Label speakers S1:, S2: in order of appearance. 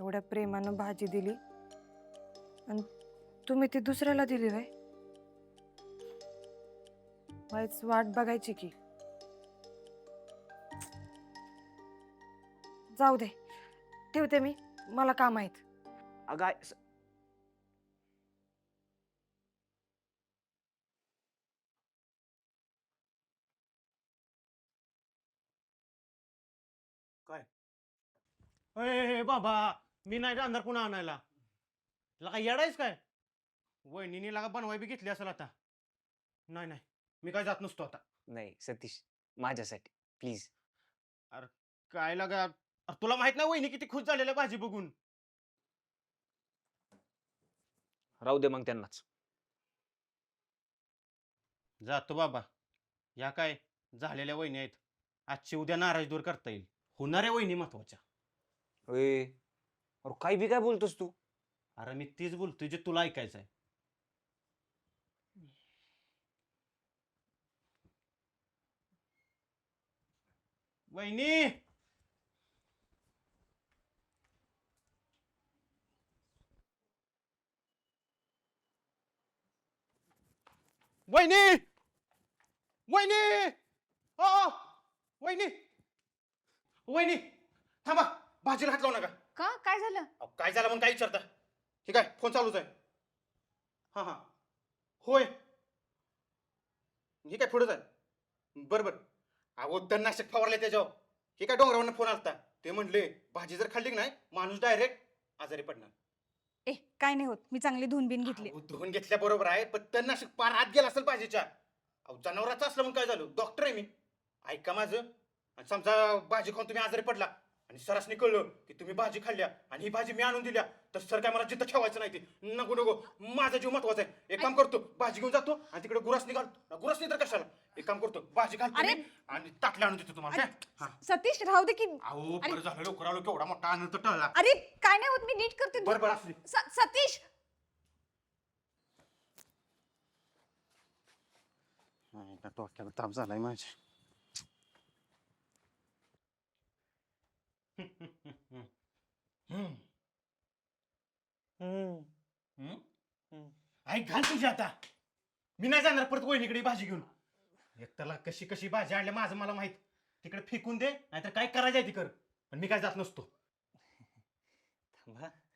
S1: एवढ्या प्रेमानं भाजी दिली आणि तुम्ही ती दुसऱ्याला दिली व्हय? वाईच वाट बघायची की. जाऊ दे, ठेवते मी, मला काम आहेत.
S2: अगं काय
S3: अय बाबा, मी नाही जाणार पुन्हा आणायला. तुला काय येडायच काय? वहिनीने लागा बनवाय बी घेतली असेल आता. नाही नाही, मी काय जात नसतो आता.
S2: नाही सतीश, माझ्यासाठी प्लीज.
S3: अरे काय लागा, अरे तुला माहित नाही वहिनी किती खुश झालेल्या भाजी बघून.
S2: राहू दे मग त्यांनाच.
S3: जातो बाबा. या काय झालेल्या वहिनी आहेत, आजची उद्या नाराज दूर करता येईल. होणाऱ्या वहिनी महत्वाच्या.
S2: अरे काय बी काय बोलतोस तू?
S3: अरे मी तीच बोलतोय जे तुला ऐकायचं आहे. वहिनी, वहिनी, वहिनी, ओ वहिनी, वहिनी थांबा, भाजीला हात लावू नका.
S4: का काय झालं?
S3: अहो, काय झालं म्हणून काय विचारता? ठीक आहे, फोन चालूच आहे. हा हा, होय, हे काय पुढेच आहे. बरं बरं. अहो तणनाशक फवारले त्याच्यावर. हे काय डोंगरावरनं फोन आलता. ते म्हणले भाजी जर खाल्ली की नाही माणूस डायरेक्ट आजारी पडणार.
S4: ए काय नाही होत, मी चांगली धुवून बिन घेतली.
S3: अहो, धुवून घेतल्या बरोबर आहे, पण तणनाशक पार आत गेला असेल भाजीच्या. अहो जनावराचं असलं म्हणून काय झालं? डॉक्टर आहे मी. ऐका माझं. आणि समजा भाजी खाऊन तुम्ही आजारी पडला आणि सरासनी कळलं की तुम्ही भाजी खाल्ल्या आणि ही भाजी मी आणून दिल्या, तर सर काय मला जिथं ठेवायचं नाही. ते नको नको, माझा जीव महत्वाचा आहे. एक काम करतो, भाजी घेऊन जातो आणि तिकडे गुरासनी घालतो. गुरासनी तर कशाला, एक काम करतो, भाजी घालतो
S4: अरे!
S3: मी आणि ताटल्या आणून देतो तुम्हाला. काय? हा.
S4: सतीश राहू दे की.
S3: अहो बरं झालं लवकर आलो, केवढा मोठा आनंद टळला.
S4: अरे काय नाही होत, मी नीट करते.
S3: बरं बरं असू दे.
S4: सतीश
S3: डोक्याला ताप झालाय माझ्या. आई घाल तुझी आता. मी नाही जाणार परत वहिनीकडे भाजी घेऊन. एकट्याला कशी कशी भाजी आणल्या माझं मला माहित. तिकडे फेकून दे, नाहीतर काय करायचं आहे ती कर. पण मी काय जात नसतो.
S2: थांबा,